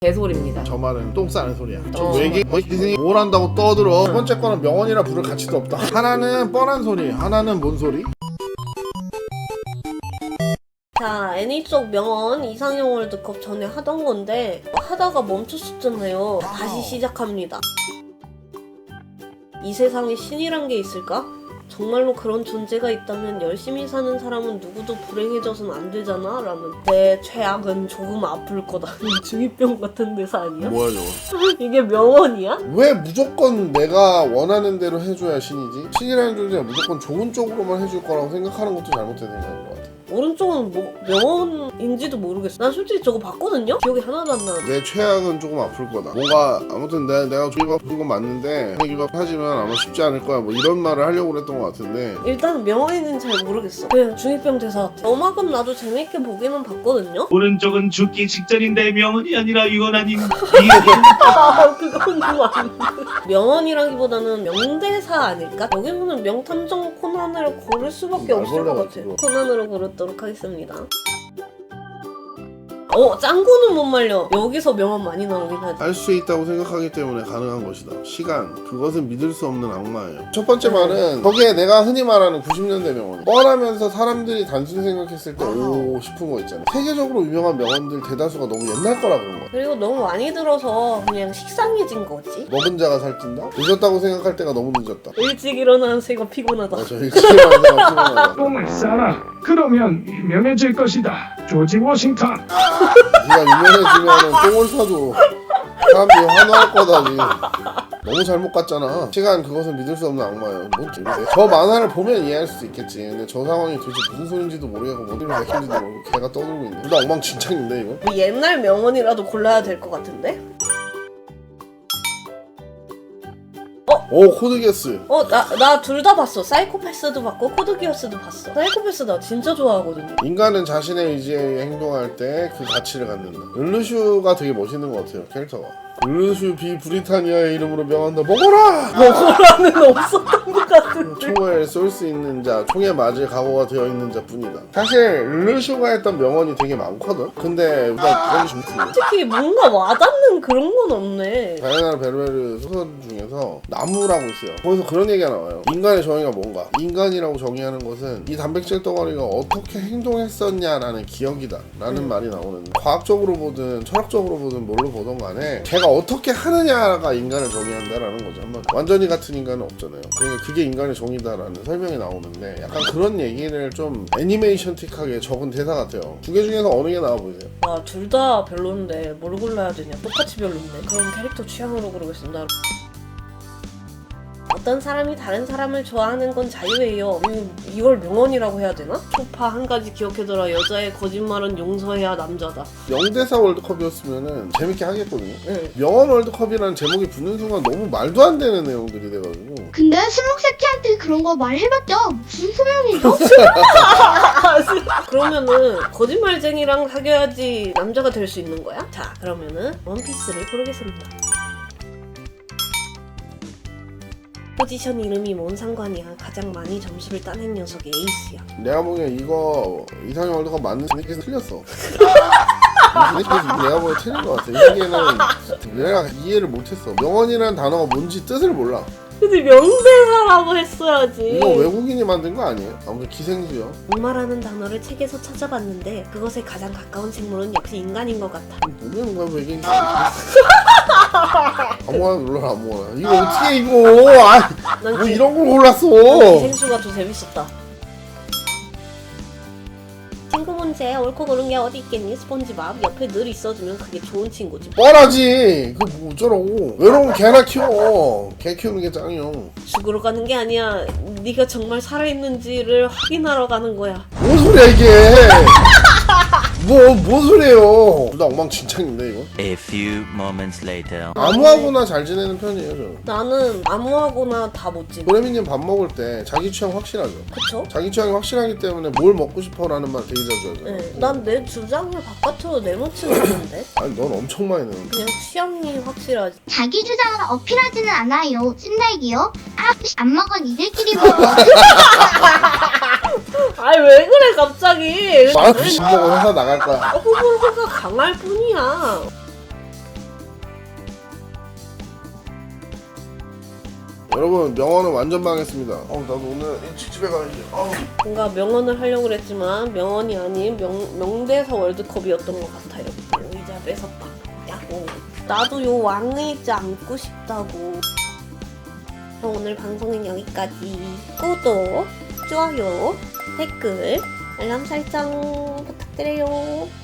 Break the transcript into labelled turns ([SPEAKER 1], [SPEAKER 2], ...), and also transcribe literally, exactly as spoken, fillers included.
[SPEAKER 1] 개소리입니다.
[SPEAKER 2] 저 말은 똥 싸는 소리야. 저
[SPEAKER 1] 어.
[SPEAKER 2] 외계 거기서 뭘 한다고 떠들어. 두 번째 거는 명언이라 부를 가치도 없다. 하나는 뻔한 소리, 하나는 뭔 소리?
[SPEAKER 3] 자, 애니 쪽 명언 이상형 월드컵 전에 하던 건데 하다가 멈췄었잖아요. 다시 시작합니다. 이 세상에 신이란 게 있을까? 정말로 그런 존재가 있다면 열심히 사는 사람은 누구도 불행해져선 안 되잖아? 라는 내 최악은 조금 아플 거다. 중이병 같은 대사 아니야?
[SPEAKER 2] 뭐야 저거?
[SPEAKER 3] 이게 명언이야?
[SPEAKER 2] 왜 무조건 내가 원하는 대로 해줘야 신이지? 신이라는 존재가 무조건 좋은 쪽으로만 해줄 거라고 생각하는 것도 잘못된 생각인 것 같아.
[SPEAKER 3] 오른쪽은 뭐 명언인지도 모르겠어. 난 솔직히 저거 봤거든요? 기억이 하나도 안 나는데.
[SPEAKER 2] 내 최악은 조금 아플 거다. 뭔가 아무튼 내가 내가 조이가 아픈 건 맞는데 이거 하지만 아마 쉽지 않을 거야. 뭐 이런 말을 하려고 그랬던 것 같은데.
[SPEAKER 3] 일단 명언인지는 잘 모르겠어. 그냥 중이병 대사 같아. 어마금 나도 재밌게 보기는 봤거든요?
[SPEAKER 4] 오른쪽은 죽기 직전인데 명언이 아니라 유언아닌
[SPEAKER 3] 아, 그건 좀 아닌데. 명언이라기보다는 명대사 아닐까? 여기서는 명탐정 코난을 고를 수밖에 없을 것 같아.
[SPEAKER 2] 말벌레
[SPEAKER 3] 코난으로 고르도록 하겠습니다. 어, 짱구는 못 말려. 여기서 명언 많이 나오긴 하지.
[SPEAKER 2] 할 수 있다고 생각하기 때문에 가능한 것이다. 시간, 그것은 믿을 수 없는 악마예요. 첫 번째 말은 거기에 내가 흔히 말하는 구십 년대 명언. 뻔하면서 사람들이 단순히 생각했을 때 오 싶은 거 있잖아. 세계적으로 유명한 명언들 대다수가 너무 옛날 거라 그런 거야.
[SPEAKER 3] 그리고 너무 많이 들어서 그냥 식상해진 거지.
[SPEAKER 2] 먹은 자가 살찐다? 늦었다고 생각할 때가 너무 늦었다.
[SPEAKER 3] 일찍 일어나는 새가 피곤하다.
[SPEAKER 2] 맞아, 일찍 일어나는 새가 피곤하다.
[SPEAKER 4] 똥을 싸라. 그러면 유명해질 것이다. 조지 워싱턴.
[SPEAKER 2] 네가 유명해지면 똥을 사도 사람들이 환호할 거다지. 너무 잘못 갔잖아. 시간, 그것은 믿을 수 없는 악마예요. 뭔 소리세요? 저 만화를 보면 이해할 수 있겠지. 근데 저 상황이 도대체 무슨 소린지도 모르겠고 뭔 소리를 내키는지도 모르고 걔가 떠들고 있네. 둘 다 엉망진창인데 이거?
[SPEAKER 3] 뭐 옛날 명언이라도 골라야 될 것 같은데?
[SPEAKER 2] 오, 코드기어스.
[SPEAKER 3] 어, 나, 나 둘 다 봤어. 사이코패스도 봤고, 코드기어스도 봤어. 사이코패스 나 진짜 좋아하거든요.
[SPEAKER 2] 인간은 자신의 의지에 행동할 때 그 가치를 갖는다. 르르슈가 되게 멋있는 것 같아요, 캐릭터가. 르르슈 비 브리타니아의 이름으로 명한다. 먹어라!
[SPEAKER 3] 먹으라는 없었던 것 같은데.
[SPEAKER 2] 총을 쏠 수 있는 자, 총에 맞을 각오가 되어 있는 자뿐이다. 사실 르르슈가 했던 명언이 되게 많거든? 근데 우리가 그런 좀
[SPEAKER 3] 솔직히 뭔가 와닿는 그런 건 없네.
[SPEAKER 2] 다이아나 베르베르 소설 중에서 나무라고 있어요. 거기서 그런 얘기가 나와요. 인간의 정의가 뭔가? 인간이라고 정의하는 것은 이 단백질 덩어리가 어떻게 행동했었냐라는 기억이다 라는
[SPEAKER 3] 음.
[SPEAKER 2] 말이 나오는데, 과학적으로 보든 철학적으로 보든 뭘로 보든 간에 걔가 어떻게 하느냐가 인간을 정의한다라는 거죠. 한번 완전히 같은 인간은 없잖아요. 그러니까 그게 인간의 정의다라는 설명이 나오는데, 약간 그런 얘기를 좀 애니메이션틱하게 적은 대사 같아요. 두 개 중에서 어느 게 나와 보이세요?
[SPEAKER 3] 와, 둘 다 별론데 뭘 골라야 되냐. 똑같이 별론데. 그럼 캐릭터 취향으로 고르겠습니다. 어떤 사람이 다른 사람을 좋아하는 건 자유예요. 음, 이걸 명언이라고 해야 되나? 소파 한 가지 기억해둬라. 여자의 거짓말은 용서해야 남자다.
[SPEAKER 2] 영대사 월드컵이었으면은 재밌게 하겠거든요.
[SPEAKER 3] 응.
[SPEAKER 2] 명언 월드컵이라는 제목이 붙는 순간 너무 말도 안 되는 내용들이 돼가지고.
[SPEAKER 5] 근데 스무 새끼한테 그런 거 말해봤자 무슨 소용이죠?
[SPEAKER 3] 그러면은 거짓말쟁이랑 사귀어야지 남자가 될 수 있는 거야? 자, 그러면은 원피스를 고르겠습니다. 포지션 이름이 뭔 상관이야. 가장 많이 점수를 따낸 녀석이 에이스야.
[SPEAKER 2] 내가 보기엔 이거 이상형 월드컵 맞는 새끼에서 틀렸어. 이 새끼에서 내가 보기엔 틀린 것 같아. 이 새끼는 내가 이해를 못했어. 명언이라는 단어가 뭔지 뜻을 몰라.
[SPEAKER 3] 근데 명대사라고 했어야지.
[SPEAKER 2] 이거 외국인이 만든 거 아니에요? 아무튼 기생수요.
[SPEAKER 3] 악마라는 단어를 책에서 찾아봤는데 그것에 가장 가까운 생물은 역시 인간인 것 같아.
[SPEAKER 2] 모르는 거야 외계인. 아무거나 눌러라 아무거나. 이거 어떻게 이거? 아,
[SPEAKER 3] 난
[SPEAKER 2] 뭐
[SPEAKER 3] 기-
[SPEAKER 2] 이런 걸 골랐어.
[SPEAKER 3] 기생수가 더 재밌었다. 친구 문제 옳고 그른 게 어디 있겠니? 스폰지밥 옆에 늘 있어주면 그게 좋은 친구지.
[SPEAKER 2] 뻔하지. 그거 뭐 어쩌라고. 외로우면 개나 키워. 개 키우는 게 짱이요.
[SPEAKER 3] 죽으러 가는 게 아니야. 네가 정말 살아있는지를 확인하러 가는 거야.
[SPEAKER 2] 뭔 소리야 이게. 뭐, 뭔 소리예요. 둘 다 엉망진창인데 이거.
[SPEAKER 6] A few moments later.
[SPEAKER 2] 아무하고나 잘 지내는 편이에요 저는.
[SPEAKER 3] 나는 아무하고나 다 못 지내.
[SPEAKER 2] 도레미님 밥 먹을 때 자기 취향 확실하죠.
[SPEAKER 3] 그쵸?
[SPEAKER 2] 자기 취향이 확실하기 때문에 뭘 먹고 싶어라는 말 되게 자주 하잖아.
[SPEAKER 3] 네. 난 내 주장을 바깥으로 내놓지는 않는데
[SPEAKER 2] 아니 넌 엄청 많이 내는.
[SPEAKER 3] 그냥 취향이 확실하지.
[SPEAKER 5] 자기 주장을 어필하지는 않아요. 찐날기요? 아, 안 먹어 니들끼리 먹어.
[SPEAKER 3] 아이 왜 그래 갑자기.
[SPEAKER 2] 아, 밥 먹고 회사 나갈 거야.
[SPEAKER 3] 호불호가 강할 뿐이야.
[SPEAKER 2] 여러분 명언은 완전 망했습니다. 어우 나도 오늘 일찍 집에 가야지. 어우.
[SPEAKER 3] 뭔가 명언을 하려고 그랬지만 명언이 아닌 명, 명대사 월드컵이었던 것 같아요. 의자 뺏었다. 야호. 나도 요 왕의자 안고 싶다고. 그럼 오늘 방송은 여기까지. 구독, 좋아요, 댓글, 알람 설정 부탁드려요.